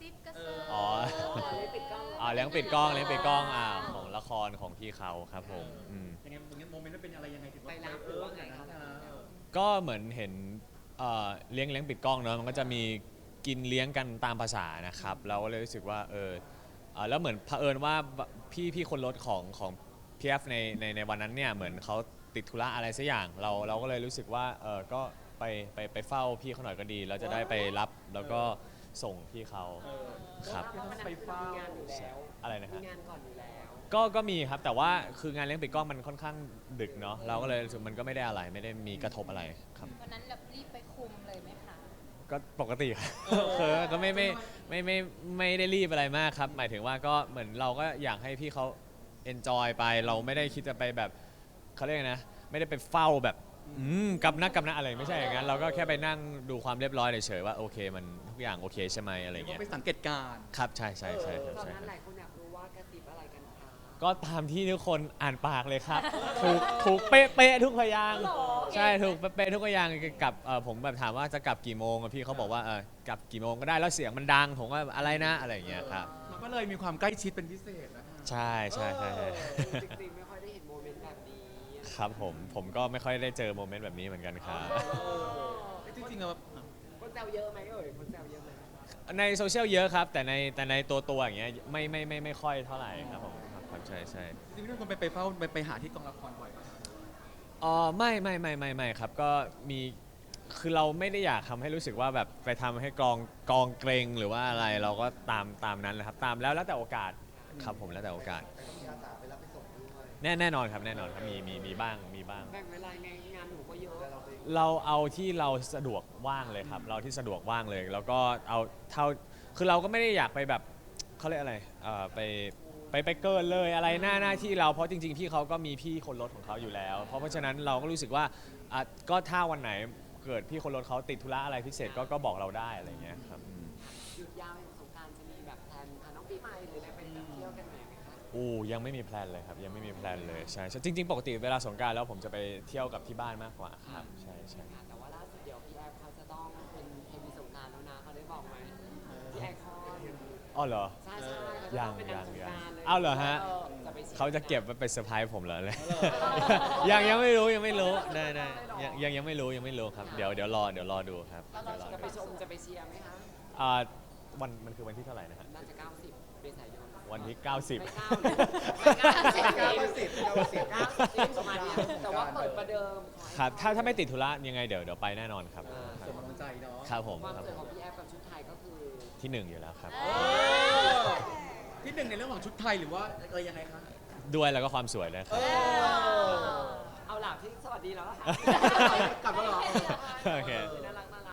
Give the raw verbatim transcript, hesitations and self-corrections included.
ซิบกระเซิร์อ๋อเลี้ยงปิดกล้องอ่าเลี้ยงปิดกล้องเลี้ยงปิดกล้องอ่าของละครของพี่เขาครับผมอืมยังไงตรงนี้โมเมนต์มันเป็นอะไรยังไงถึงว่าไปรับหเอรืออว่าไงอย่างคะนั้นนะเออก็เหมือนเห็นเอ่อเลี้ยงเลี้ยงปิดกล้องเนอะมันก็จะมีกินเลี้ยงกันตามภาษานะครับเราก็เลยรู้สึกว่าเออเอ่อแล้วเหมือนเผอิญว่าพี่พี่คนรถของของพีเอฟในในในวันนั้นเนี่ยเหมือนเขาติดธุระอะไรสักอย่างเราเราก็เลยรู้สึกว่าเออก็ไปไปไปเฝ้าพี่เขาหน่อยก็ดี เราจะได้ไปรับแล้วก็ส่งพี่เขาเออครับเพราะวันนั้นคือมีงานอยู่แล้วอะไรนะมีฮะงานก่อนอยู่แล้วก็ก็มีครับแต่ว่าคืองานเลี้ยงปิดกล้องมันค่อนข้างดึกเนาะเราก็เลยรู้สึกมันก็ไม่ได้อะไรไม่ได้มีกระทบอะไรครับวันนั้นแบบรีบไปคุมเลยไหมคะก็ปกติครับคือก็ไม่ไม่ไม่ไม่ไม่ได้รีบอะไรมากครับ หมายถึงว่าก็เหมือนเราก็อยากให้พี่เขา enjoy ไปเราไม่ได้คิดจะไปแบบเขาเรียกไงนะไม่ได้ไปเฝ้าแบบอืมกับนักกับนักอะไรไม่ใช่อย่างนั้นเราก็แค่ไปนั่งดูความเรียบร้อยเฉยๆว่าโอเคมันทุกอย่างโอเคใช่ไหมอะไรเรียกเงี้ว่าย ไปสังเกตการณ์ครับใช่ใช่ใช่ครับตอนใช่นั้นครับหลายคนอยากรู้ว่ากระติบอะไรกันคะก็ตามที่ทุกคนอ่านปากเลยครับ ถูกถูกเป๊ะเป๊ะทุกพยางค์ใช่ถูกเป๊ะทุกพยางค์กลับเอ่อผมแบบถามว่าจะกลับกี่โมงอะพี่เขาบอกว่าเออกลับกี่โมงก็ได้แล้วเสียงมันดังผมว่าอะไรนะอะไรอย่างเงี้ยครับเราก็เลยมีความใกล้ชิดเป็นพิเศษนะฮะใช่ใช่ใช่ใช่จริงๆไม่ค่อยได้เห็นโมเมนต์แบบนี้ครับผมผมก็ไม่ค่อยได้เจอโมเมนต์แบบนี้เหมือนกันครับเออจริงๆอะคนแซวเยอะไหมเอ่ยคนแซวเยอะไหมในโซเชียลเยอะครับแต่ในแต่ในตัวตัวอย่างเงี้ยไม่ไม่ไม่ไม่ค่อยเท่าไหร่ครับผมครับครับใช่ใช่จริงๆทุกคนไปไปเฝ้าไปไปหาที่กองละครบ่อยป่ะอ๋อไม่ไม่ไม่ไม่ไม่ครับก็มีคือเราไม่ได้อยากทำให้รู้สึกว่าแบบไปทำให้กองกองเกรงหรือว่าอะไรเราก็ตามตามนั้นแหละครับตามแล้วแล้วแต่โอกาสครับผมแล้วแต่โอกาสแน่แน่นอนครับแน่นอนครับมีมีมีบ้างมีบ้างแบ่งเวลาไงงานหนูก็เยอะเราเอาที่เราสะดวกว่างเลยครับ เราที่สะดวกว่างเลย แล้วก็เอาเท่าคือเราก็ไม่ได้อยากไปแบบเขาเรียกอะไรเอ่อไปไปไปเกินเลยอะไรหน้าหน้าที่เราเพราะจริงๆพี่เขาก็มีพี่คนรถของเขาอยู่แล้ว เพราะเพราะฉะนั้นเราก็รู้สึกว่าอ่ะก็ถ้าวันไหนเกิดพี่คนรถเขาติดธุระอะไรพิเศษก็ก็บอกเราได้อะไรอย่างเงี้ยครับอืมหยุดยาวอย่างสงกรานต์จะมีแบบแพลนพาน้องปีใหม่หรืออะไรไปแบบเที่ยวกันไหนไหมคะอู้ยังไม่มีแพลนเลยครับยังไม่มีแพลนเลยใช่ใช่จริง ๆ ปกติเวลาสงกรานต์แล้วผมจะไปเที่ยวกับที่บ้านมากกว่าครับใช่ใช่ค่ะแต่ว่าล่าสุดเดี๋ยวพี่แอฟเขาจะต้องเป็นเอ็มวีสงกรานต์แล้วนะเขาได้บอกไหมพี่แอฟคอนอ๋อเหรอใช่ใช่เขาจะยัต้อง งเป็นนางยังสงยักงรานต์เลยอ้าวเหรอฮะออจะไปชียร์เขาจะเก็บไว้เป็นเซอร์ไพรส์ผมเหรอเลย ยังยังไม่รู้ยังไม่รู้ได้ได้ยังยังยังไม่รู้ยังไม่รู้ครับเดี๋ยวเดี๋ยวรอเดี๋ยวรอดูครับแล้วเดี๋ยวรอเราจะดูไปชมจะไปเชียร์ไหมคะอ่าวันมันคือวันที่เท่าไหร่นะฮะน่าจะเก้าสิบเมษายนวันที่เก้าสิบไม่เก้าเลยไม่เก้าสิบเก้าสิบเก้าสิบเก้าสิบประมาณเนี้ยแต่ว่าเปิดประเดิมขอให้ครับถ้าถ้าไม่ติดธุระยังไงเดี๋ยวเดี๋ยวไปแน่นอนครับคส่รับงกำลังใจเนาะครับผมความครับสวยผของมพี่แอฟกับชุดไทยก็คือที่หนึ่งอยู่แล้วครับเออที่หนึ่งในเรื่องของชุดไทยหรือว่าเออยังไงคะด้วยแล้วก็ความสวยเลยครับเอาล่ะพี่สวัสดีแล้วล่ะค่ะกลับมาเหรอโอเคน่ารัก